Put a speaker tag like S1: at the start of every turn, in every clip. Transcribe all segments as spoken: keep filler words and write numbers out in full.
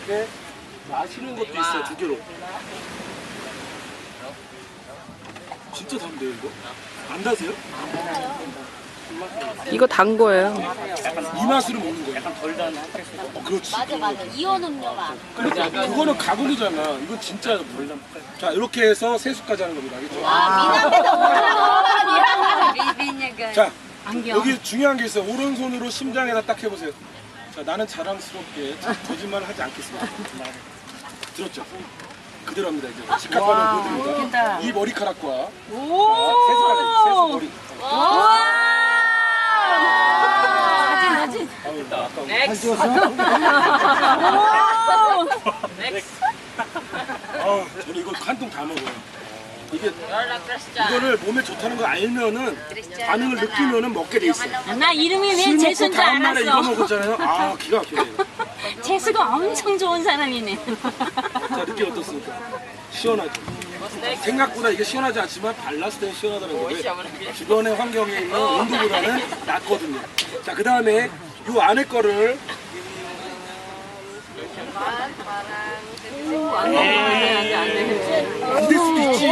S1: 이렇게 마시는 것도 있어요, 두 개로. 진짜 단데요, 이거? 안 다세요?
S2: 이거 단 거예요.
S1: 이 맛으로 먹는 거예요.
S3: 약간 덜 단.
S1: 어, 그렇지.
S4: 맞아 맞아 이온 음료가
S1: 그러니까 그거는 가공이잖아. 이건 진짜 덜 단. 자, 이렇게 해서 세수까지 하는 겁니다. 알겠죠?
S4: 아 미남에다
S1: 자, 여기 중요한 게 있어요. 오른손으로 심장에다 딱 해보세요. 자, 나는 자랑스럽게 거짓말을 하지 않겠습니다. 들었죠? 그대로 합니다. 이제 직각반응 보여드립니다. 이 머리카락과 자, 세수까지, 세수 머리.
S4: 사진 사진
S1: 넥스트. 아, 저는 이거 한 통 다 먹어요. 이게 이거를 몸에 좋다는 걸 알면은 반응을 느끼면은 먹게 돼 있어요.
S5: 나 이름이 왜
S1: 술 먹고
S5: 재수인 줄
S1: 다음 날에 이거
S5: 알았어.
S1: 먹었잖아요. 아, 기가 막혀요.
S5: 재수가 엄청 좋은 사람이네.
S1: 자, 느낌 어떻습니까? 시원하죠? 생각보다 이게 시원하지 않지만 발랐을 때는 시원하다는 거예요. 주변의 환경에 있는 온도보다는 낫거든요. 자, 그 다음에 이 안에 거를 안 될 수도 있지.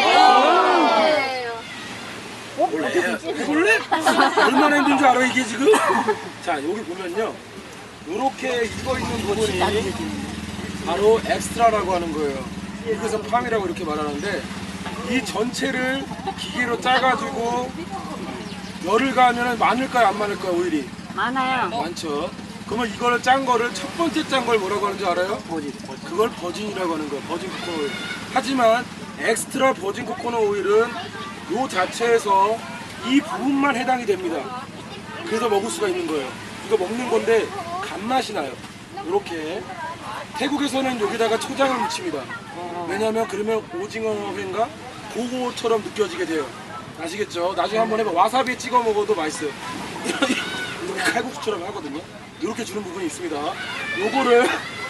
S1: 원래 해볼래? 얼마나 힘든 줄 알아 이게 지금? 자, 여기 보면요, 이렇게 익어 있는 부분이 바로 엑스트라라고 하는 거예요. 그래서 팜이라고 이렇게 말하는데, 이 전체를 기계로 짜가지고 열을 가하면 많을까요, 안 많을까요, 오일이?
S5: 많아요.
S1: 많죠. 그러면 이거를 짠 거를 첫 번째 짠 걸 뭐라고 하는지 알아요? 버진. 그걸 버진이라고 하는 거예요. 버진 코코넛 오일. 하지만 엑스트라 버진 코코넛 오일은 요 자체에서 이 부분만 해당이 됩니다. 그래서 먹을 수가 있는 거예요. 이거 먹는 건데 간맛이 나요. 이렇게. 태국에서는 여기다가 초장을 묻힙니다. 왜냐면 그러면 오징어회인가 그거처럼 느껴지게 돼요. 아시겠죠? 나중에 한번 해봐. 와사비 찍어 먹어도 맛있어요. 이렇게 칼국수처럼 하거든요. 이렇게 주는 부분이 있습니다. 요거를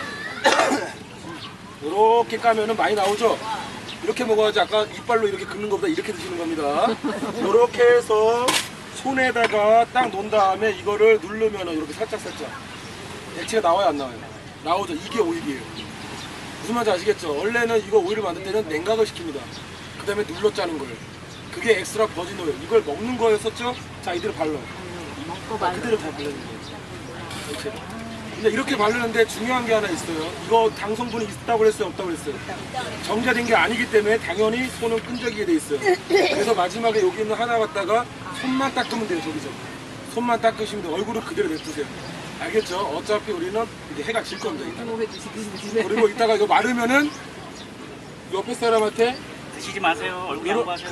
S1: 이렇게 까면은 많이 나오죠? 이렇게 먹어야지 아까 이빨로 이렇게 긁는 것보다 이렇게 드시는 겁니다. 이렇게 해서 손에다가 딱 놓은 다음에 이거를 누르면은 이렇게 살짝살짝 액체가 나와요, 안 나와요? 나오죠. 이게 오일이에요. 무슨 말인지 아시겠죠? 원래는 이거 오일을 만들 때는 냉각을 시킵니다. 그 다음에 눌러 짜는 거예요. 그게 엑스트라 버진 오일. 이걸 먹는 거였었죠? 자, 이대로 발라. 아, 그대로 다 바르는 거예요. 이렇게. 근데 이렇게 바르는데 중요한 게 하나 있어요. 이거 당 성분이 있다고 그랬어요, 없다고 그랬어요? 정제된 게 아니기 때문에 당연히 손은 끈적이게 돼 있어요. 그래서 마지막에 여기 있는 하나 갖다가 손만 닦으면 돼요, 저기서. 손만 닦으시면 돼요. 얼굴을 그대로 냅두세요. 알겠죠? 어차피 우리는 이제 해가 질 겁니다. 이따가. 그리고 이따가 이거 마르면은 옆에 사람한테
S3: 드시지 마세요. 얼굴 양보하세요.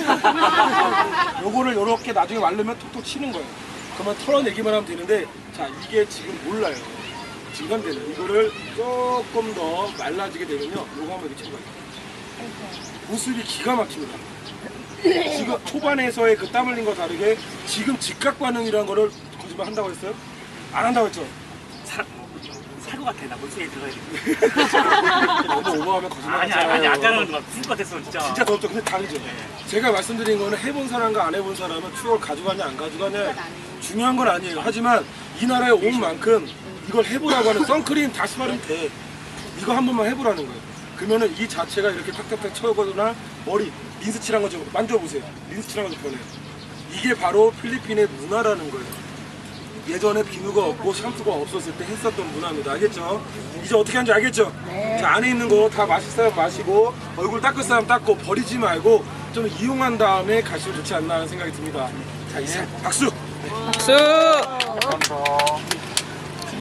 S1: 요거를 요렇게 나중에 마르면 톡톡 치는 거예요. 그러면 털어내기만 하면 되는데, 자, 이게 지금 몰라요. 진간되는 이거를 조금 더 말라지게 되면요, 요거 한번 이렇게 쳐봐요. 보습이 기가 막힙니다. 지금 초반에서의 그 땀 흘린 거 다르게 지금 즉각 반응이라는 거를 거짓말 한다고 했어요? 안 한다고 했죠?
S3: 살 것 같아. 나 물속에 들어가야 돼.
S1: 너무 오버하면 거짓말
S3: 아니,
S1: 하잖아요.
S3: 아니, 아까는 막 죽을 것 같았어, 진짜.
S1: 진짜 더럽죠. 근데 다르죠. 제가 말씀드린 거는 해본 사람과 안 해본 사람은 추억을 가져가냐 안 가져가냐 중요한 건 아니에요. 하지만 이 나라에 온 만큼 이걸 해보라고 하는 선크림 다시 바르면 돼. 이거 한 번만 해보라는 거예요. 그러면은 이 자체가 이렇게 탁탁탁 쳐거나 머리 린스 칠한 거 좀 만져보세요. 린스 칠한 거 좀 변해요. 이게 바로 필리핀의 문화라는 거예요. 예전에 비누가 없고 샴푸가 없었을 때 했었던 문화입니다. 알겠죠? 이제 어떻게 하는지 알겠죠? 네. 자, 안에 있는 거 다 마실 사람 마시고 얼굴 닦을 사람 닦고 버리지 말고 좀 이용한 다음에 가시면 좋지 않나 하는 생각이 듭니다. 자, 이상 박수!
S2: 박수!
S1: 감사합니다.